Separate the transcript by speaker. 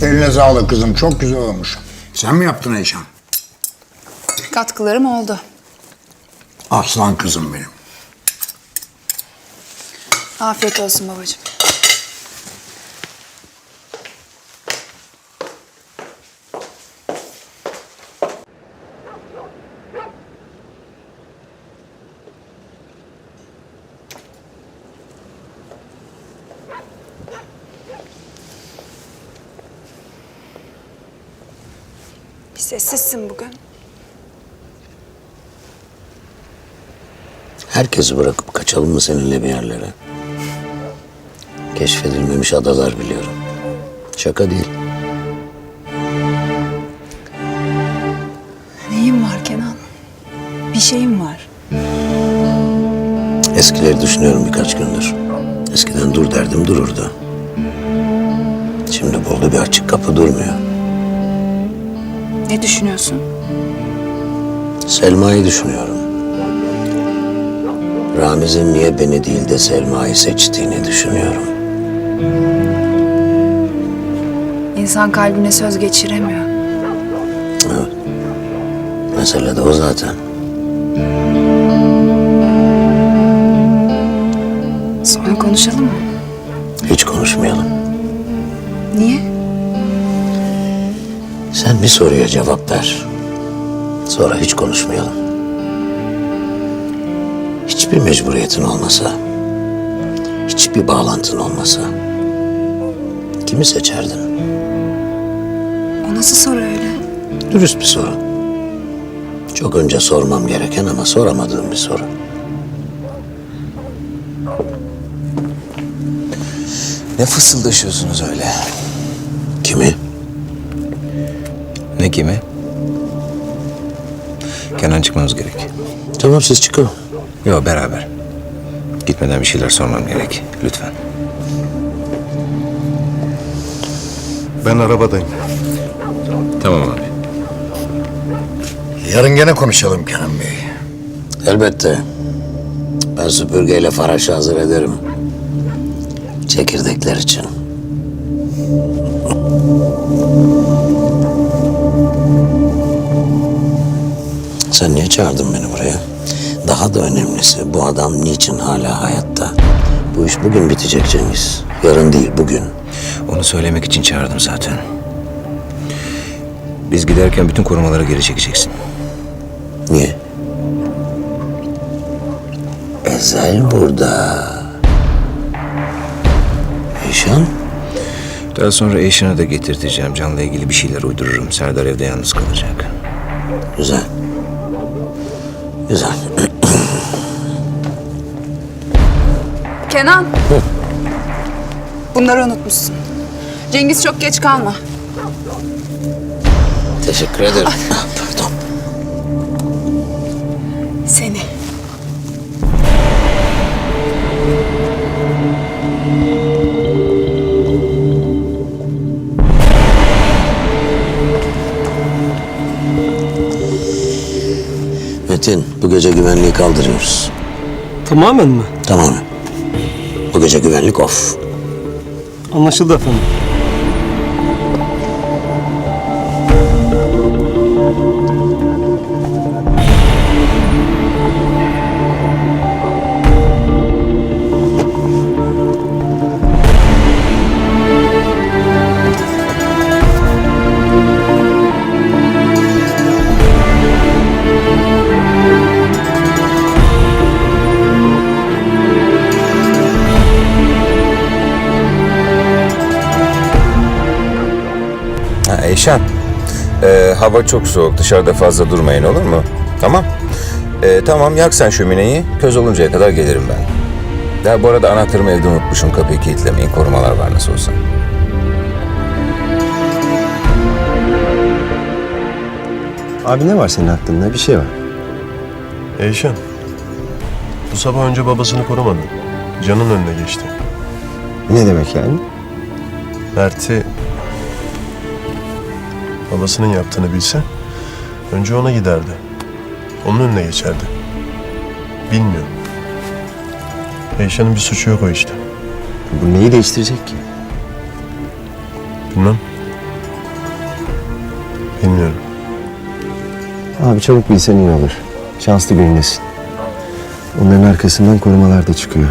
Speaker 1: Eline sağlık kızım. Çok güzel olmuş. Sen mi yaptın Eyşan?
Speaker 2: Katkılarım oldu.
Speaker 1: Aslan kızım benim.
Speaker 2: Afiyet olsun babacığım. Bir sessizsin bugün.
Speaker 3: Herkesi bırakıp kaçalım mı seninle bir yerlere? Keşfedilmemiş adalar biliyorum. Şaka değil.
Speaker 2: Neyim var Kenan? Bir şeyim var.
Speaker 3: Eskileri düşünüyorum birkaç gündür. Eskiden dur derdim dururdu. Şimdi buldu bir açık kapı durmuyor.
Speaker 2: Ne düşünüyorsun?
Speaker 3: Selma'yı düşünüyorum. Ramiz'in niye beni değil de Selma'yı seçtiğini düşünüyorum.
Speaker 2: İnsan kalbine söz geçiremiyor.
Speaker 3: Evet. Mesele de o zaten.
Speaker 2: Sonra konuşalım mı?
Speaker 3: Hiç konuşmayalım.
Speaker 2: Niye?
Speaker 3: Sen bir soruya cevap ver. Sonra hiç konuşmayalım. Hiçbir mecburiyetin olmasa, hiçbir bağlantın olmasa kimi seçerdin?
Speaker 2: O nasıl soru öyle?
Speaker 3: Dürüst bir soru. Çok önce sormam gereken ama soramadığım bir soru.
Speaker 4: Ne fısıldaşıyorsunuz öyle?
Speaker 3: Kimi?
Speaker 4: Ne kimi? Kenan çıkmamız gerek.
Speaker 3: Tamam siz çıkın.
Speaker 4: Yok beraber. Gitmeden bir şeyler sormam gerek. Lütfen.
Speaker 5: Ben arabadayım.
Speaker 4: Tamam abi.
Speaker 1: Yarın gene konuşalım Kenan Bey.
Speaker 3: Elbette. Ben süpürgeyle faraşı hazır ederim. Çekirdekler için. Sen niye çağırdın beni buraya? Daha da önemlisi bu adam niçin hala hayatta? Bu iş bugün bitecek Cengiz. Yarın değil bugün.
Speaker 4: Onu söylemek için çağırdım zaten. Biz giderken bütün korumaları geri çekeceksin.
Speaker 3: Niye? Ezel burada. Eyşan?
Speaker 4: Daha sonra Eyşan'ı da getirteceğim. Can'la ilgili bir şeyler uydururum. Serdar evde yalnız kalacak.
Speaker 3: Güzel. Güzel.
Speaker 2: Kenan! Bunları unutmuşsun. Cengiz çok geç kalma.
Speaker 3: Teşekkür ederim. Pardon.
Speaker 2: Seni.
Speaker 3: Metin, bu gece güvenliği kaldırıyoruz.
Speaker 6: Tamamen mi?
Speaker 3: Tamam. Bu gece güvenlik off.
Speaker 6: Anlaşıldı efendim.
Speaker 4: Eyşan, hava çok soğuk. Dışarıda fazla durmayın olur mu? Tamam. Tamam yak sen şömineyi. Köz oluncaya kadar gelirim ben. Ya bu arada anahtarımı evde unutmuşum. Kapıyı kilitlemeyin. Korumalar var nasıl olsa.
Speaker 7: Abi ne var senin aklında? Bir şey var.
Speaker 5: Eyşan, bu sabah önce babasını korumadı. Can'ın önüne geçti.
Speaker 7: Ne demek yani?
Speaker 5: Mert'i babasının yaptığını bilse önce ona giderdi. Onun önüne geçerdi. Bilmiyorum. Eyşan'ın bir suçu yok o işte.
Speaker 7: Bu neyi değiştirecek ki?
Speaker 5: Bilmem. Bilmiyorum.
Speaker 7: Abi çabuk bilsen iyi olur. Şanslı günündesin. Onların arkasından korumalar da çıkıyor.